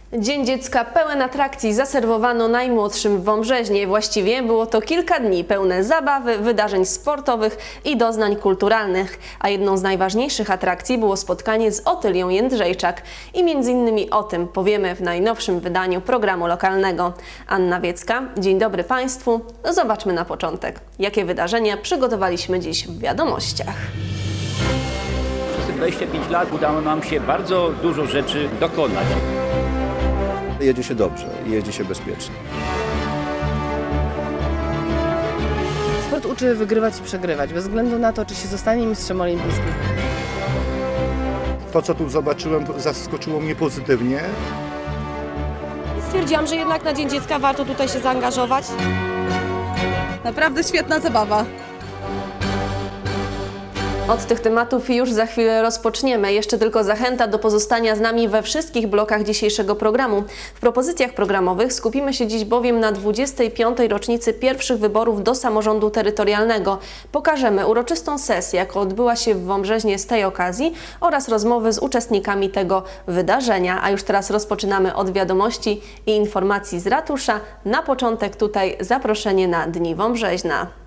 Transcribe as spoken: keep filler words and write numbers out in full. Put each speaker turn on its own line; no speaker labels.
Dzień Dziecka pełen atrakcji zaserwowano najmłodszym w Wąbrzeźnie. Właściwie było to kilka dni pełne zabawy, wydarzeń sportowych i doznań kulturalnych. A jedną z najważniejszych atrakcji było spotkanie z Otylią Jędrzejczak. I między innymi o tym powiemy w najnowszym wydaniu programu lokalnego. Anna Wiecka, dzień dobry Państwu. Zobaczmy na początek, jakie wydarzenia przygotowaliśmy dziś w wiadomościach.
Przez te dwadzieścia pięć lat udało nam się bardzo dużo rzeczy dokonać.
Jedzie się dobrze, jeździ się bezpiecznie.
Sport uczy wygrywać i przegrywać, bez względu na to, czy się zostanie mistrzem olimpijskim.
To, co tu zobaczyłem, zaskoczyło mnie pozytywnie.
Stwierdziłam, że jednak na Dzień Dziecka warto tutaj się zaangażować.
Naprawdę świetna zabawa.
Od tych tematów już za chwilę rozpoczniemy. Jeszcze tylko zachęta do pozostania z nami we wszystkich blokach dzisiejszego programu. W propozycjach programowych skupimy się dziś bowiem na dwudziestej piątej rocznicy pierwszych wyborów do samorządu terytorialnego. Pokażemy uroczystą sesję, jaka odbyła się w Wąbrzeźnie z tej okazji oraz rozmowy z uczestnikami tego wydarzenia. A już teraz rozpoczynamy od wiadomości i informacji z ratusza. Na początek tutaj zaproszenie na Dni Wąbrzeźna.